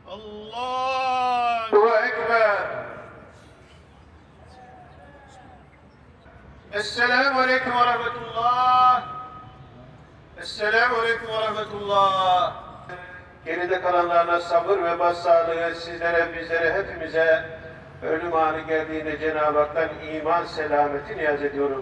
Allahu Ekber. Esselamu Aleyküm ve Rahmetullah. Esselamu Aleyküm ve Rahmetullah. Geride kalanlarına sabır ve başsağlığı sizlere, bizlere, hepimize ölüm anı geldiğinde Cenab-ı Hak'tan iman selameti niyaz ediyorum.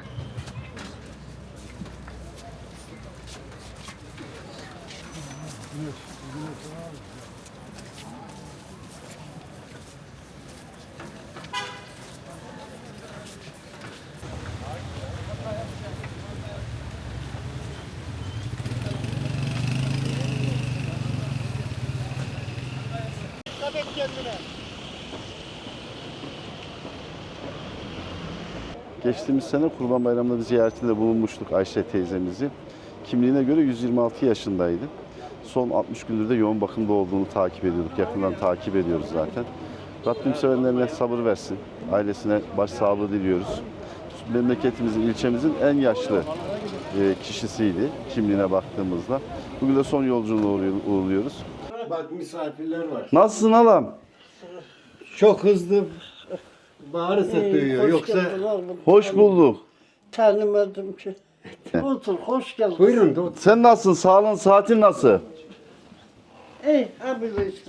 Geçtiğimiz sene Kurban Bayramı'nda bir ziyaretinde bulunmuştuk Ayşe teyzemizi. Kimliğine göre 126 yaşındaydı. Son 60 gündür de yoğun bakımda olduğunu takip ediyorduk. Yakından takip ediyoruz zaten. Rabbim sevenlerine sabır versin. Ailesine başsağlığı diliyoruz. Memleketimizin, ilçemizin en yaşlı kişisiydi kimliğine baktığımızda. Bugün de son yolculuğunu uğurluyoruz. Bak misafirler var. Nasılsın halam? Çok hızlı bağırsa duyuyor. Yoksa Hoş bulduk. Tanımadım ki. Otur, hoş geldin. buyurun da otur. Sen nasılsın? Sağlığın, saatin nasıl? Ey, abi işte.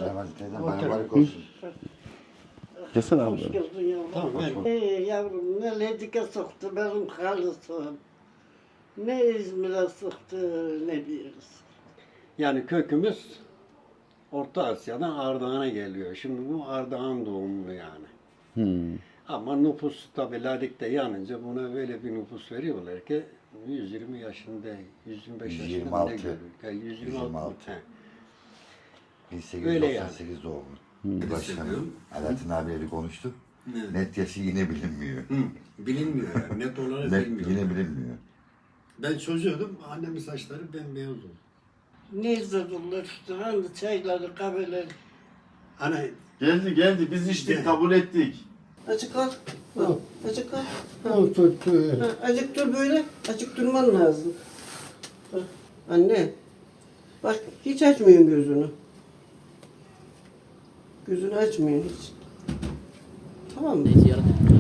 Gelsene abi. Hoş geldin yavrum. Tamam, gel. Ey yavrum, ne Ledik'e soktu benim halısım. Ne İzmir'e soktu, ne bir yere soktu. Yani kökümüz Orta Asya'dan Ardahan'a geliyor. Şimdi bu Ardahan doğumlu yani. Ama nüfus tabi Ladik'te yanınca buna böyle bir nüfus veriyorlar ki 120 yaşında, 125 yaşında 126. ne görüyor? Yani 126. 126. Öyle yani. 1898 doğumlu. Başkanım Alaaddin abiyle konuştuk. Net yaşı yine bilinmiyor. Bilinmiyor yani. Net olarak Net bilmiyor. yine bilinmiyor. Ben çocuğum, annemin saçları bembeyaz oldu. Ne izlediler işte, hani çayları, kahveleri. Ana Geldi. Biz içtik, kabul ettik. Açık al. Açık al. Acık dur böyle. Acık durman lazım. Ha, anne. Bak hiç açmıyorsun gözünü. Gözünü açmıyorsun hiç. Tamam mı?